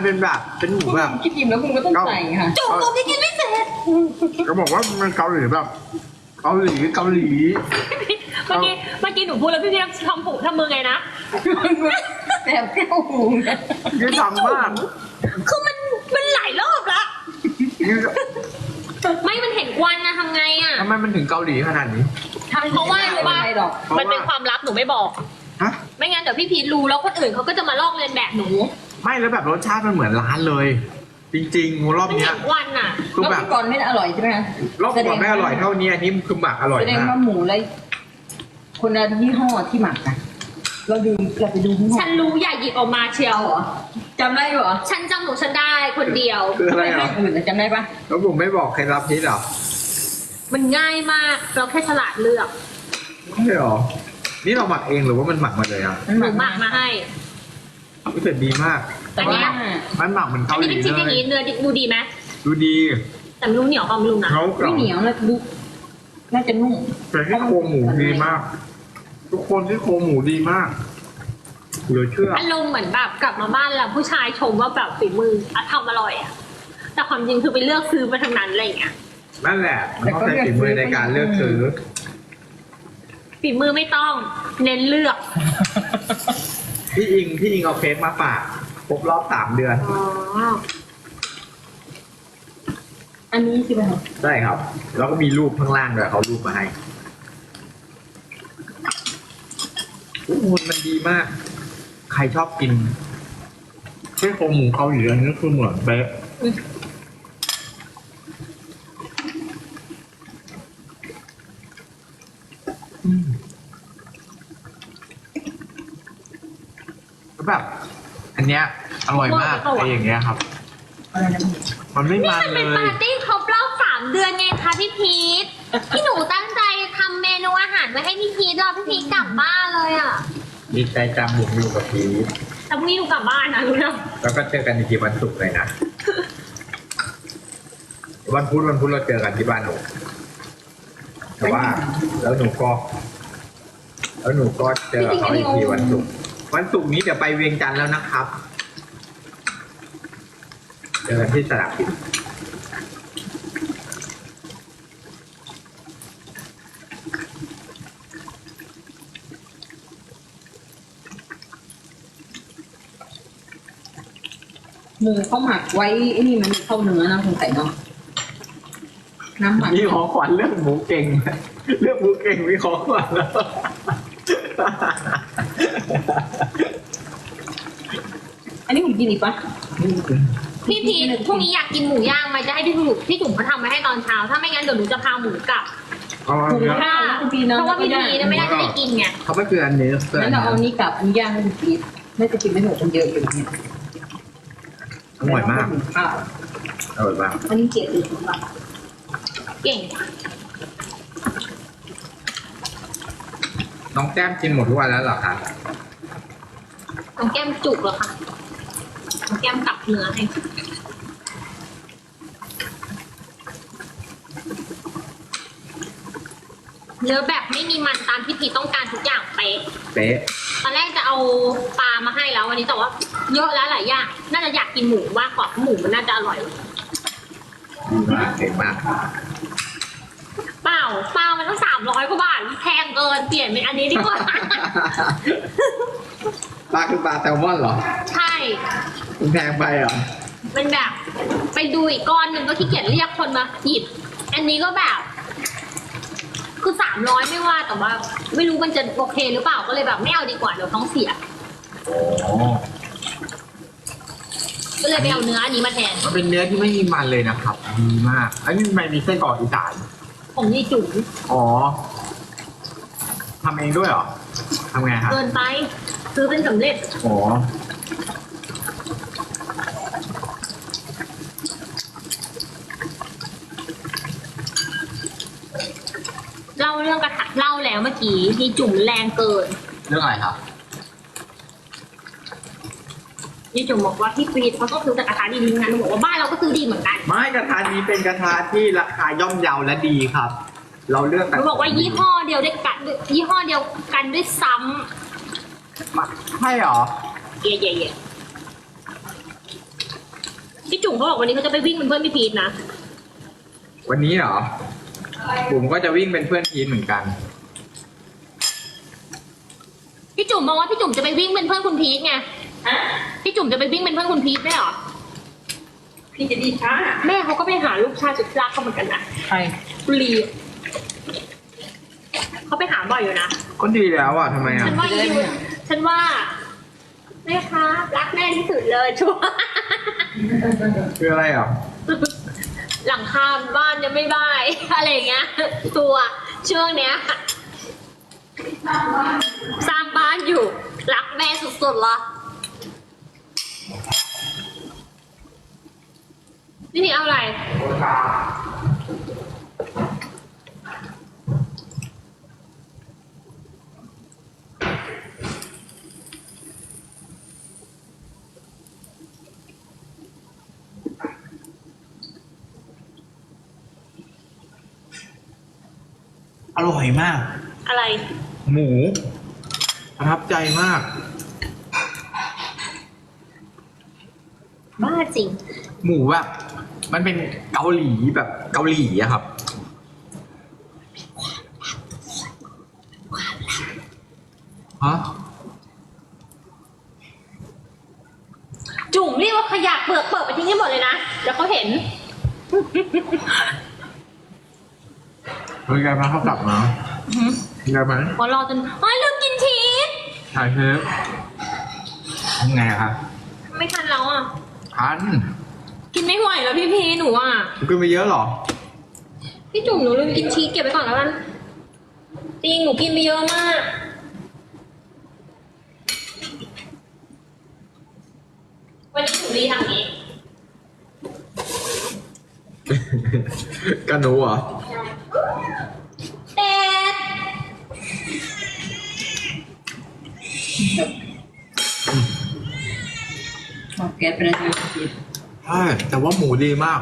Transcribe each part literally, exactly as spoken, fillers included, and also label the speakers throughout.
Speaker 1: เป็นแบบเป็นหมูแบบ
Speaker 2: กินอิ่มแล้วคุณก็ต้องใส่ค่ะ
Speaker 3: จุกหนูยังกินไม่เสร็จ
Speaker 1: ก็บอกว่ามันเกาหลีแบบเกาหลีเกาหลี
Speaker 3: เมื่อกี้เมื่อกี้หนูพูดแล้วพี่พี่ทำผูทำมือไงนะ
Speaker 2: แต่แก้วหูนะ
Speaker 1: นี่ทำมาก
Speaker 3: คือมันมันหลายรอบละ
Speaker 1: นี่
Speaker 3: ไม่มันเห็นควันนะทำไงอ่ะ
Speaker 1: ทำไมมันถึงเกาหลีขนาดนี้
Speaker 3: เพราะว่ารู้ป่ะ
Speaker 2: อะไรหรอก
Speaker 3: มันเป็นความลับหนูไม่บอก
Speaker 1: ฮะ
Speaker 3: ไม่งั้นเดี๋ยวพี่พีทรู้แล้วคนอื่นเขาก็จะมาลอกเลียนแบบหนู
Speaker 1: ไม่แล้วแบบรสชาติมันเหมือนร้านเลย จริงๆรอบ
Speaker 3: มัน
Speaker 1: เนี้
Speaker 3: เห็
Speaker 1: ย
Speaker 3: นควันอ่ะ
Speaker 1: คือ
Speaker 2: รอบ
Speaker 1: แบบ
Speaker 2: ก่อนไม่ได้อร่อยใช่ไหมคะ
Speaker 1: รอบก่อนไม่อร่อยเท่านี้อันนี้คือหมักอร่อย
Speaker 2: แสดง
Speaker 1: มาก
Speaker 2: ว่าหมูเลยคนละยี่ห้อที่หมักอะเราดูเราไปดูยี่ห้อ
Speaker 3: ฉันรู้อย่าหยิบออกมาเชียว
Speaker 2: เอาเหรอจำได้เหรอ
Speaker 3: ฉันจำหนูฉันได้คนเดียว
Speaker 1: คืออะไร
Speaker 2: ไม่
Speaker 1: อ่ะ
Speaker 2: อื่นอะจำได้ปะ
Speaker 1: แล้วผมไม่บอกเคล็ดลับนี้หรอ
Speaker 3: มันง่ายมากเราแค่ฉลาดเลือก
Speaker 1: ไม่หรอ นี่เราหมักเองหรือว่ามันหมักมาเลยอ่ะ
Speaker 3: หนูหมักมาให้
Speaker 1: รู้สึกดีมาก
Speaker 2: แต่ว่า
Speaker 1: มันหมักเหมือน
Speaker 3: อั
Speaker 1: เกานห
Speaker 3: นี้
Speaker 1: ลี
Speaker 3: เป็นชิ้นอย่าง
Speaker 1: เล
Speaker 3: นี้
Speaker 1: ย
Speaker 3: เนื้อดูดีไหม
Speaker 1: ดูดี
Speaker 3: แต่ไม่รู้เหนียวเปล่าไม่รู้นะ
Speaker 1: เขากรอ
Speaker 2: ไม่
Speaker 1: บ
Speaker 2: เหนียวนะดูน่าจะนุ่ม
Speaker 1: แต่ที่โครงหมูดีมาก ทุกคนที่โครงหมูดีมากเหลือเชื่อ
Speaker 3: อารมณ์เหมือนแบบกลับมาบ้านแล้วผู้ชายชมว่าแบบฝีมืออะทำอร่อยอ่ะแต่ความจริงคือไปเลือกซื้อมาทางนั้นอะไรอย่างเงี้ย
Speaker 1: นั่นแหละมันต้องใช้ฝีมือในการเลือกซื้อ
Speaker 3: ฝีมือไม่ต้องเน้นเลือก
Speaker 1: พี่อิงพี่อิงเอาเค้กมาฝากครบรอบสามเดือน
Speaker 3: อ๋อ
Speaker 2: อันนี้ใช่ไหมคะ
Speaker 1: ใช่ครับ แล้วก็มีรูปข้างล่างด้วยเขารูปมาให้โอ้โหมันดีมาก ใครชอบกินเส้นโครงหมูเกาหลีอันนี้คือเหมือนเป๊ะอืมแล้วแบบ อันเนี้ยอร่อยมากไอ้อย่างเงี้ยครับ
Speaker 2: อะไรนะ
Speaker 1: มันไม่
Speaker 3: นี่
Speaker 1: มัน
Speaker 3: มัน
Speaker 1: เล
Speaker 3: เป็นปาย ร์ตี้ครบรอบสามเดือนไงคะพี่พีทที่หนูตั้งใจทำเมนูอาหารไว้ให้พี่พีทรอพี่พีทกลับบ้านเลยอ่ะ
Speaker 1: ดีใจจังหมูอยู่กับพีช
Speaker 3: แต่พรุ่งนี้หนูกลับบ้านนะรู้นะ
Speaker 1: แล้วก็เจอกันอีกทีวันศุกร์เลยนะ วันพุธวันพุธเราเจอกันที่บ้านหนูแต่ว่า แล้วหนูก็ แล้วหนูก็เจอเขาอีกทีวันศุกร์วันศุกร์นี้เดี๋ยวไปเวียงจันทร์แล้วนะครับ เจอกันที่สนามบิน
Speaker 2: หมูเขาหมักไว้ไอ้นี่มันเข้าเนื้อนะคุณใส่เนาะน้ำหมัก
Speaker 1: มีของขวัญเรื่องหมูเก่ง เรื่องหมูเก่งมีของขวัญแล้ว
Speaker 2: อันนี้ผมกินอีกปะ
Speaker 3: พี่พีทพรุ่งนี้อยากกินหมูย่างไหมจะให้พี่จุ๋มพี่จุ๋มเขาทำไว้ให้ตอนเช้า ถ้าไม่งั้นเดี๋ยวหนูจะพาหมูกลับ
Speaker 1: เอาอันเนี้ย
Speaker 3: ค่ะเพราะว่าพี่พีทไม่ได้จะได้กินไง
Speaker 1: เขาไม่คืออันนี้คือ
Speaker 2: งั้
Speaker 1: อั
Speaker 2: น
Speaker 1: น
Speaker 2: เรา
Speaker 1: นี้
Speaker 2: เอานี้กลับอันย่างให้คุณพีทน่าจะกินไม่หมดคนเยอะอยู่เนี่ย
Speaker 1: อร่อยมาก
Speaker 2: อ้าว
Speaker 1: อร่อยมาก
Speaker 2: อันนี้เจ็ดสิบาท
Speaker 3: เก่ง
Speaker 1: น้องแก้มกินหมดทุกวันแล้วเหรอคะ
Speaker 3: น้องแก้มจุกเหรอคะน้องแก้มกลับเนื้อให้เนื้อแบบไม่มีมันตามที่พีทต้องการทุกอย่างเป๊ะ
Speaker 1: เป๊ะ
Speaker 3: ตอนแรกจะเอาปลามาให้แล้ววันนี้แต่ว่าเยอะแล้วหลายอย่างน่าจะอยากกินหมูมากกว่าเพราะหมูมันน่าจะอร่อย
Speaker 1: ดีมากเก่งมาก
Speaker 3: เปล่าปลามันต้องสามร้อยกว่าบาทแพงเกินเปลี่ยนเป็นอันนี้ดีกว่า
Speaker 1: ปลาคือปลาแซลมอนเหรอ
Speaker 3: ใช่
Speaker 1: มันแพงไปเหรอ
Speaker 3: เป็นแบบ ไปดูอีกก้อนหนึ่งก็ขี้เกียจเรียกคนมาหยิบ อันนี้ก็แบบ คือสามร้อยไม่ว่าแต่ว่า ไม่รู้มันจะโอเคหรือเปล่าก็เลยแบบไม่เอาดีกว่าเดี๋ยวท้องเสีย
Speaker 1: โอ้
Speaker 3: ก็เลยไปเอาเนื้ออันนี้มาแทน
Speaker 1: มันเป็นเนื้อที่ไม่มีมันเลยนะครับ ดีมาก อันนี้ทำไมมีไส้กรอกอีสาน
Speaker 3: ผมนี่จุ๋ม
Speaker 1: อ๋อทำเองด้วยเหรอทำไงครับ
Speaker 3: เกินไป ซื้อเป็นสำเร็จ
Speaker 1: อ๋อ
Speaker 3: เล่าเรื่องกระทะเล่าแล้วเมื่อกี้มีจุ๋มแรงเกิน
Speaker 1: เรื่องอะไรครับ
Speaker 3: นี่จุ๋มบอกว่าพี่กรีดเขาก็ซื้อแต่กระทะดีๆงั้นหนูบอกว่าบ้านเราก็ซื้อดีเหมือนกัน
Speaker 1: ไม่กระทะนี้เป็นกระทะที่ราคาย่อมเยาและดีครับ เราเลือก
Speaker 3: หนูบอกว่ายี่ห้อเดียวด้วยกันยี่ห้อเดียวกันด้วยซ้
Speaker 1: ใช่เหรอ
Speaker 3: ำเย่เย่เย่พี่จุ๋มเขาบอกวันนี้เขาจะไปวิ่งเป็นเพื่อนพี่พีทนะ
Speaker 1: วันนี้เหรอบุ๋มก็จะวิ่งเป็นเพื่อนพีทเหมือนกัน
Speaker 3: พี่จุ๋มบอกว่าพี่จุ๋มจะไปวิ่งเป็นเพื่อนคุณพีทไงพี่จุ๋มจะไปวิ่งเป็นเพื่อนคุณพีทได้เหรอ
Speaker 2: พี่จะดีช้า
Speaker 3: แม่เขาก็ไปหาลูกชายสุดรักเขาเหมือนกันนะ
Speaker 2: ใคร
Speaker 3: บุรีเขาไปหาบ่อยอยู่นะ
Speaker 1: ก็ดีแล้วอ่ะทำไมอ่ะ
Speaker 3: ฉันว่าอีวิวฉันว่าแม่คะรักแม่ที่สุดเลยชัวร์
Speaker 1: คืออะไรอ่ะ
Speaker 3: หลังคาบ้านยังไม่บาย อะไรอย่างเงี้ย ตัวช่วงเนี้ย สร้างบ้านอยู่ รักแม่สุดๆละนี่นี่เอาอะไร
Speaker 1: อร่อยมาก
Speaker 3: อะไร
Speaker 1: หมูประทับใจมาก
Speaker 3: บ้าจริง
Speaker 1: หมูแบบมันเป็นเกาหลีแบบเกาหลีอะครับฮะ
Speaker 3: จุ่มเรียกว่าขยะเปลือกเปิดไปทิ้งให้หมดเลยนะ เดี๋ยวเขาเห็น
Speaker 1: เฮ้ยแกมาเข้ากลับมาแกมา
Speaker 3: พอรอจนเฮ้ยลืมกินชีส
Speaker 1: ถ่ายเทปทำไงอะครับ
Speaker 3: ไม่ทันแล้วอ่ะ
Speaker 1: ทัน
Speaker 3: กินไม่ไหวแล้วพี่พีหนูอ่ะ
Speaker 1: กินไปเยอะเหรอ
Speaker 3: พี่จุ๋มหนูลืมกินชีสเก็บไปก่อนแล้วกันจริงหนูกินไปเยอะมาก วันนี้หนูรีทำนี้
Speaker 1: กันหนูเหรอ
Speaker 3: เด็ด
Speaker 2: บอกแกเป็นอะไรผิด
Speaker 1: ใช่ แต่ว่าหมูดีมาก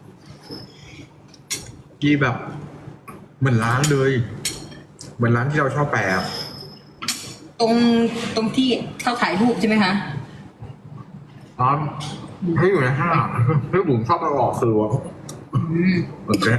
Speaker 1: ดีแบบ เหมือนร้านเลย เหมือนร้านที่เราชอบแปะ
Speaker 2: ตรงตรงที่เขาถ่ายรูปใช่ไหมคะ
Speaker 1: ร้านที่อยู่ในห้างที่บุ๋มชอบไปออกคือว่า
Speaker 2: อืม
Speaker 1: โอเค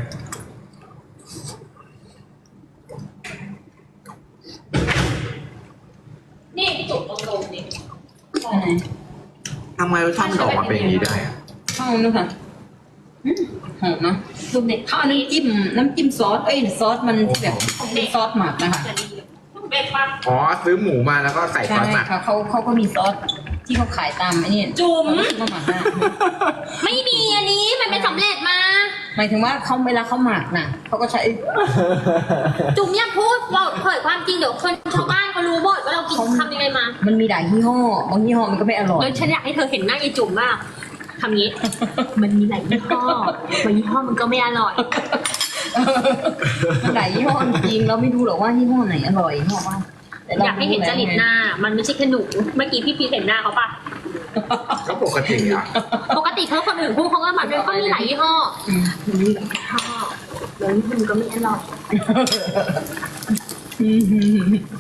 Speaker 3: นี่พี่จุ๋มตรงๆนี่
Speaker 2: อันไหน
Speaker 1: ทำไมรสชาติมันออกมาเป็นอย่างนี้ได้อะ
Speaker 2: ข้าวนะคะอืมหอมเนาะ
Speaker 3: ดูเด็ก
Speaker 2: ข้าวน้ำจิ้มน้ำจิ้มซอส เอ้ยซอสมันที่แบบเป็นซอสหมักนะคะ
Speaker 3: จะดีเด็กปะ
Speaker 1: อ๋อซื้อหมูมาแล้วก็ใส่ซ
Speaker 2: ใช่
Speaker 1: อสหมัก
Speaker 2: ค่ะเขาเขาก็มีซอสที่เขาขายตามไอ้นี่
Speaker 3: จุ๋ม
Speaker 2: เขาหมักนะ
Speaker 3: ไม่มีอันนี้มันเป็นสำเร็จมา
Speaker 2: หมายถึงว่าเขาเวลาเขาหมักน่ะเขาก็ใช้
Speaker 3: จุ๋มอย่าพูดเราเผยความจริงเดี๋ยวคนชาวบ้านเขารู้หมดว่าเรากินทำยังไงมา
Speaker 2: มันมีหลายยี่ห้อบางยี่ห้อมันก็ไม่อร่อย
Speaker 3: แล้วฉันอยากให้เธอเห็นหน้าไอ้จุ๋มมากทำงี้ มันมีหลายยี่ห้อบางยี่ห้อมันก็ไม่อร่อย
Speaker 2: มันหลายยี่ห้อจริงเราไม่รู้หรอกว่ายี่ห้อไหนอร่อยยี่ห้อว่าแต่ร
Speaker 3: อยากให้เห็นจริตหน้า มันไม่ใช่แค่หนูเมื่อกี้พี่พีเห็นหน้าเขาปะ
Speaker 1: ก็ปกติอ่ะ
Speaker 3: ปกติเขาคนอื่นพูดเขาก็แบบมันก็มีหลายยี่ห้อ
Speaker 2: อืม
Speaker 3: มันมีหลายยี่ห้อแล้วมันก็ไม่อร่อย
Speaker 2: อืม